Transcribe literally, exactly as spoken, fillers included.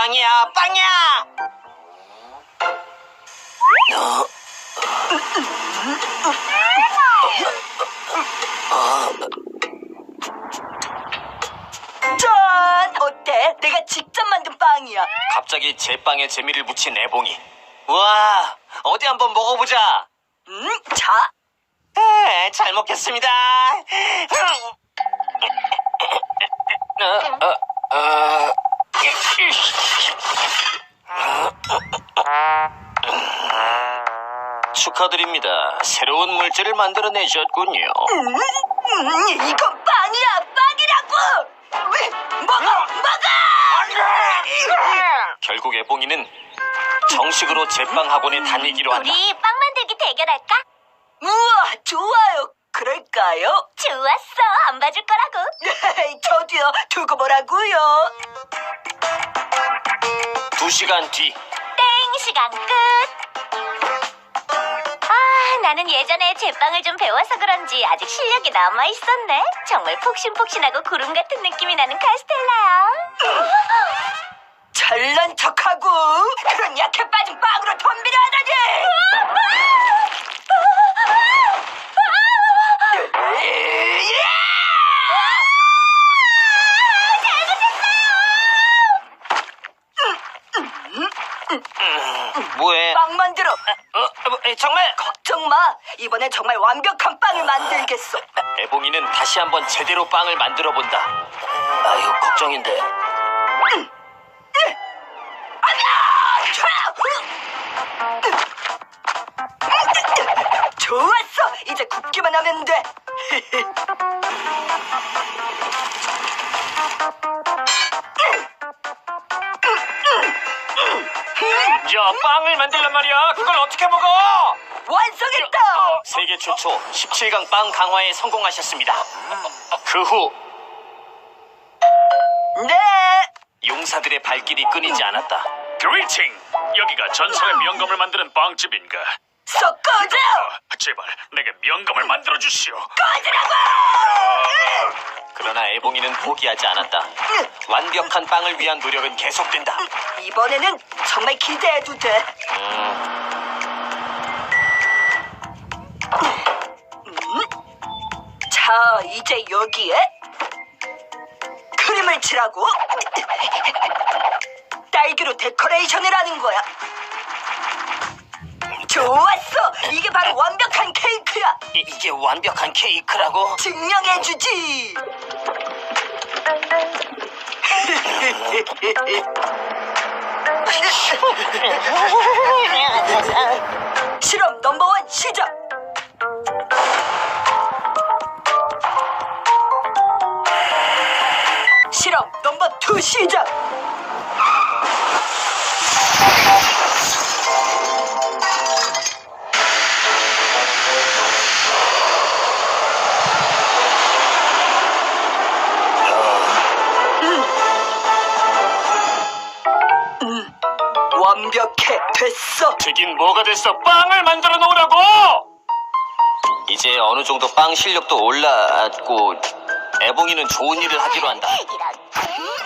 빵이야, 빵이야! 어? 짠! 어때? 내가 직접 만든 빵이야. 갑자기 제 빵에 재미를 붙인 애봉이. 와, 어디 한번 먹어보자. 음, 자. 에, 잘 먹겠습니다. 어, 어, 어. 축하드립니다. 새로운 물질을 만들어내셨군요. 음, 음, 이건 빵이야, 빵이라고! 왜? 먹어, 먹어! 결국 애봉이는 정식으로 제빵 학원에 다니기로 한다. 우리 빵 만들기 대결할까? 우와, 좋아요. 그럴까요? 좋았어. 안 봐줄 거라고. 저도요. 두고 보라고요. 두 시간 뒤. 땡 시간 끝. 아, 나는 예전에 제빵을 좀 배워서 그런지 아직 실력이 남아 있었네. 정말 폭신폭신하고 구름 같은 느낌이 나는 카스텔라야. 잘난 척하고 그런 약해 빠진 빵으로 덤비려 하다니! 뭐해? 빵 만들어. 어, 어, 에, 정말? 걱정 마. 이번엔 정말 완벽한 빵을 만들겠어. 애봉이는 다시 한번 제대로 빵을 만들어 본다. 아유, 걱정인데. 좋았어. 이제 굽기만 하면 돼. 야, 빵을 만들란 말이야. 그걸 어떻게 먹어? 완성했다. 세계 최초 십칠 강 빵 강화에 성공하셨습니다. 그 후 네. 용사들의 발길이 끊이지 않았다. 그리팅! 여기가 전설의 명감을 만드는 빵집인가? 썩 꺼져. 제발 내게 명감을 만들어 주시오. 그러나 애봉이는 포기하지 않았다. 완벽한 빵을 위한 노력은 계속된다. 이번에는 정말 기대해도 돼. 자, 이제 여기에 크림을 칠하고 딸기로 데코레이션을 하는 거야. 좋았어. 이게 바로 완벽한 케이크야. 이, 이게 완벽한 케이크라고? 증명해주지. 실험 넘버원 시작. 실험 넘버 투 시작. 완벽해. 됐어. 되긴 뭐가 됐어. 빵을 만들어 놓으라고! 이제 어느 정도 빵 실력도 올라왔고 애봉이는 좋은 일을 하기로 한다. 이런.